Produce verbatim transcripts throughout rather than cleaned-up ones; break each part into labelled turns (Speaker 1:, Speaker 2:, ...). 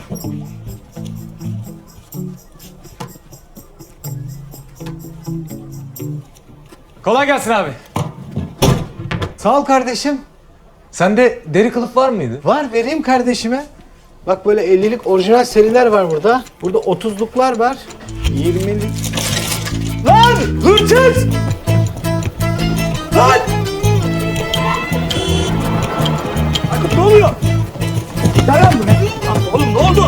Speaker 1: Kolay gelsin abi.
Speaker 2: Sağ ol kardeşim.
Speaker 1: Sende deri kılıf var mıydı?
Speaker 2: Var, vereyim kardeşime. Bak böyle ellilik orijinal seriler var burada. Burada otuzluklar var. yirmilik. Lan! Hırsız! Lan! Akıp ne oluyor? Dayan buraya. Oğlum ne oldu?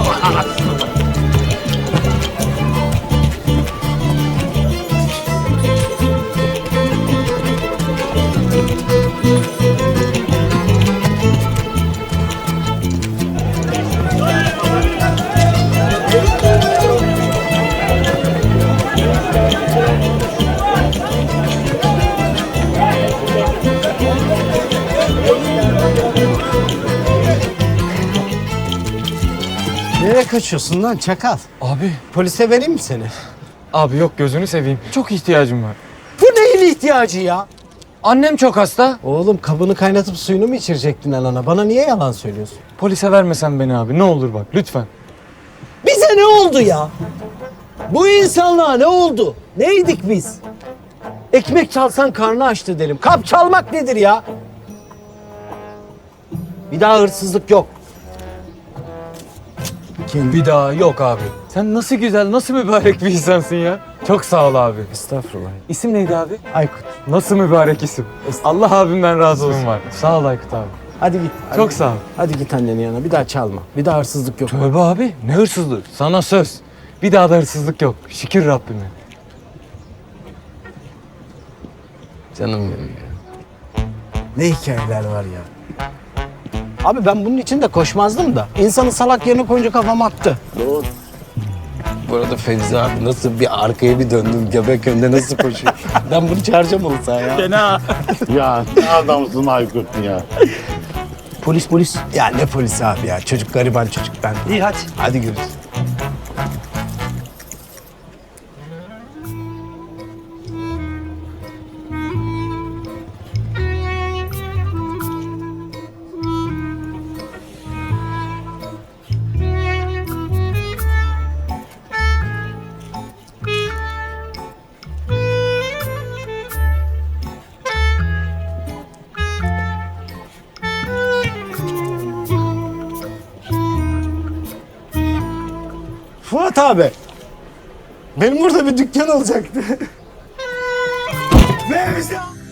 Speaker 2: Nereye kaçıyorsun lan çakal?
Speaker 1: Abi.
Speaker 2: Polise vereyim mi seni?
Speaker 1: Abi yok gözünü seveyim. Çok ihtiyacım var.
Speaker 2: Bu neyin ihtiyacı ya?
Speaker 1: Annem çok hasta.
Speaker 2: Oğlum kabını kaynatıp suyunu mu içirecektin anana? Bana niye yalan söylüyorsun?
Speaker 1: Polise vermesen beni abi. Ne olur bak lütfen.
Speaker 2: Bize ne oldu ya? Bu insanlığa ne oldu? Neydik biz? Ekmek çalsan karnı açtı derim. Kap çalmak nedir ya? Bir daha hırsızlık yok.
Speaker 1: Bir daha yok abi. Sen nasıl güzel, nasıl mübarek bir insansın ya. Çok sağ ol abi.
Speaker 2: Estağfurullah.
Speaker 1: İsim neydi abi?
Speaker 2: Aykut.
Speaker 1: Nasıl mübarek isim. Allah abimden razı olsun var. Sağ ol Aykut abi.
Speaker 2: Hadi git. Hadi
Speaker 1: Çok
Speaker 2: git.
Speaker 1: sağ ol.
Speaker 2: Hadi git annenin yanına. Bir daha çalma. Bir daha hırsızlık yok.
Speaker 1: Tövbe abi. Ne hırsızlığı? Sana söz. Bir daha da hırsızlık yok. Şükür Rabbime.
Speaker 2: Canım benim ya. Ne hikayeler var ya. Abi ben bunun için de koşmazdım da. İnsanı salak yerine koyunca kafam attı.
Speaker 3: Doğru. Bu arada Fevzi abi nasıl bir arkaya bir döndüm göbek önünde nasıl koşuyor? Ben bunu çağıracağım olsa ya.
Speaker 2: Fena.
Speaker 4: Ya ne adamsın Aykut ya.
Speaker 2: Polis polis. Ya ne polisi abi ya. Çocuk gariban çocuk ben. İyi hadi. Hadi görüşürüz. Fuat abi. Benim burada bir dükkan olacaktı. Fevzi abi.